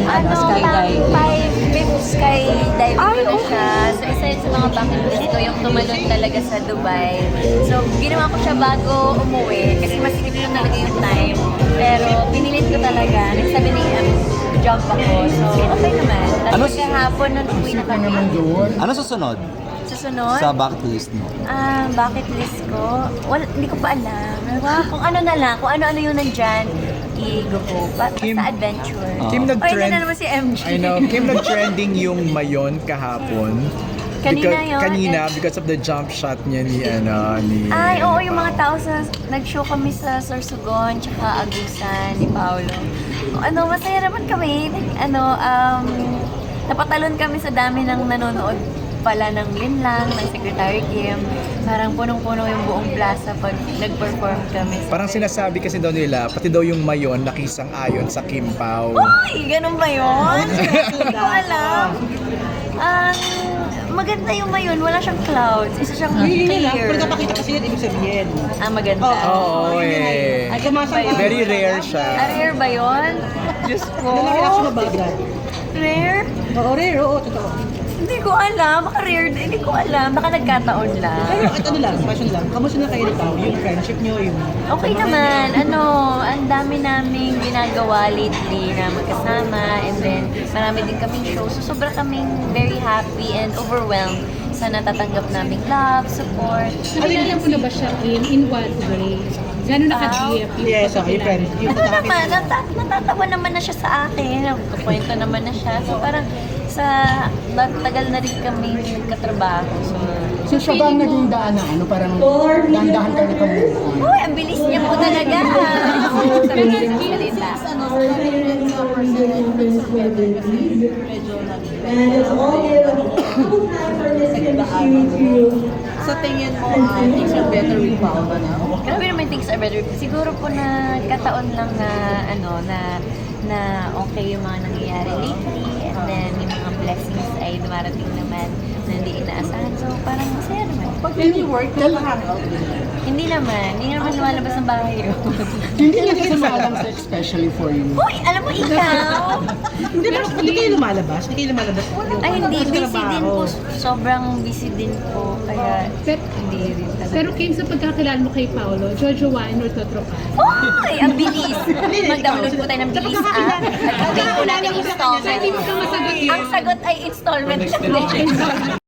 Skydive. 5 skydiving ko na siya. So, isa yun sa mga bucket list ko, yung tumalon talaga sa Dubai. So, ginawa ko siya bago umuwi kasi masikip yun talaga yung time. Pero, pinilit ko talaga. Next 7 a.m. jump ako. So, okay naman. Tapos kahapon, nung uwi na kami. Ano susunod Susunod? sa bucket list mo? Bucket list ko? Well, hindi ko pa alam. Kung ano na lang, kung ano-ano yung nandyan, i-go ko. Sa adventure. Kim Ay, nag-trend. na naman si MJ. I know, Kim nag-trending yung mayon kahapon. Kanina yun. Kanina, because of the jump shot niya ni Ay, oo, yung mga tao nag-show kami sa Sorsogon, tsaka Agusan ni Paolo. Masaya naman kami. Napatalon kami sa dami ng nanonood pala ng Linlang, ng Secretary Kim. Parang punong-puno yung buong plaza pag nag-perform kami. Parang sinasabi kasi daw nila, pati daw yung mayon nakisang-ayon sa Kim Pao. Uy, ganun ba yun? Hindi ko alam. Maganda yung mayon, wala siyang clouds. Isa siyang clear. Pag napakita kasi yan, ibig sabihin. Maganda. Oo, eh. Ay, kamasang Very rare siya. Rare ba yun? Diyos ko. Ano reaction mo ba, Brad? Rare? Oo, rare, oo, totoo. Hindi ko alam. Baka rare din. Hindi ko alam. Baka nagkataon lang. Pero at ano lang, question lang, kamusta na kayo ni Pao? Yung friendship nyo, yung... Okay naman. Ang dami naming ginagawa lately na magkasama. And then, marami din kaming show. So, sobra kaming very happy and overwhelmed sa natatanggap naming love, support. Nakilala mo na ba siya in what way? Gano'n naka-GF yung Yes, okay, yung friend. Yung Ano naman, natatawa naman na siya sa akin. Nagkukwento naman na siya. So, parang tagal na rin kami nagkatrabaho. So siya ba ang naging daan na parang dahan-dahan kayo nakabukan? Uy, ang bilis niya po talaga. Sabi niya ng salita. Sa tingin mo, things are better with Pao ba now? Grabe naman things are better. Siguro po na kataon lang na okay yung mga nangyayari lately. And then yung mga blessings ay dumarating naman na hindi inaasahan. So parang masaya naman. Pag any work, hangout din. Hindi naman lumalabas ng bahay yun. Hindi niya sumalang sa especially for you. Uy, alam mo ikaw? Hindi kayo lumalabas? Hindi kayo lumalabas? Ay, hindi. Pagod sa Busy din trabaho. po. Sobrang busy din po. Kaya hindi rin talaga. Pero Kim, sa pagkakilala mo kay Paolo, Jojo Wine or Totropan? Uy, ang bilis. Mag-download po tayo ng bilis app. At pay po natin installment. Hindi mo ka masagot yun. Ang sagot ay installment.